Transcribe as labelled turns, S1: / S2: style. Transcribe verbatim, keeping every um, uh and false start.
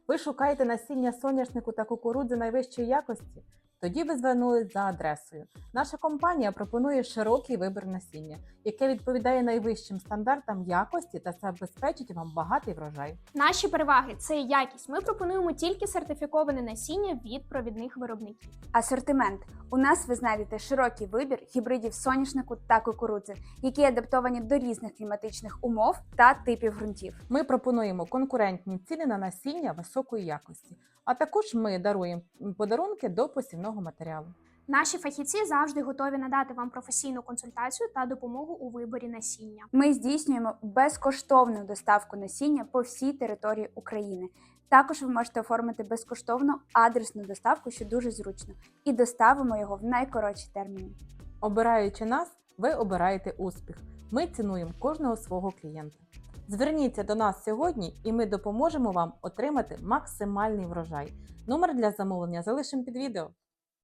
S1: Ви шукаєте насіння соняшнику та кукурудзи найвищої якості? Тоді ви звернулись за адресою. Наша компанія пропонує широкий вибір насіння, яке відповідає найвищим стандартам якості та забезпечить вам багатий врожай.
S2: Наші переваги – це якість. Ми пропонуємо тільки сертифіковане насіння від провідних виробників.
S3: Асортимент. У нас ви знайдете широкий вибір гібридів соняшнику та кукурудзи, які адаптовані до різних кліматичних умов та типів ґрунтів.
S1: Ми пропонуємо конкурентні ціни на насіння високої якості, а також ми даруємо подарунки до посівного матеріалу.
S2: Наші фахівці завжди готові надати вам професійну консультацію та допомогу у виборі насіння.
S3: Ми здійснюємо безкоштовну доставку насіння по всій території України. Також ви можете оформити безкоштовну адресну доставку, що дуже зручно, і доставимо його в найкоротші терміни.
S1: Обираючи нас, ви обираєте успіх. Ми цінуємо кожного свого клієнта. Зверніться до нас сьогодні і ми допоможемо вам отримати максимальний врожай. Номер для замовлення залишимо під відео.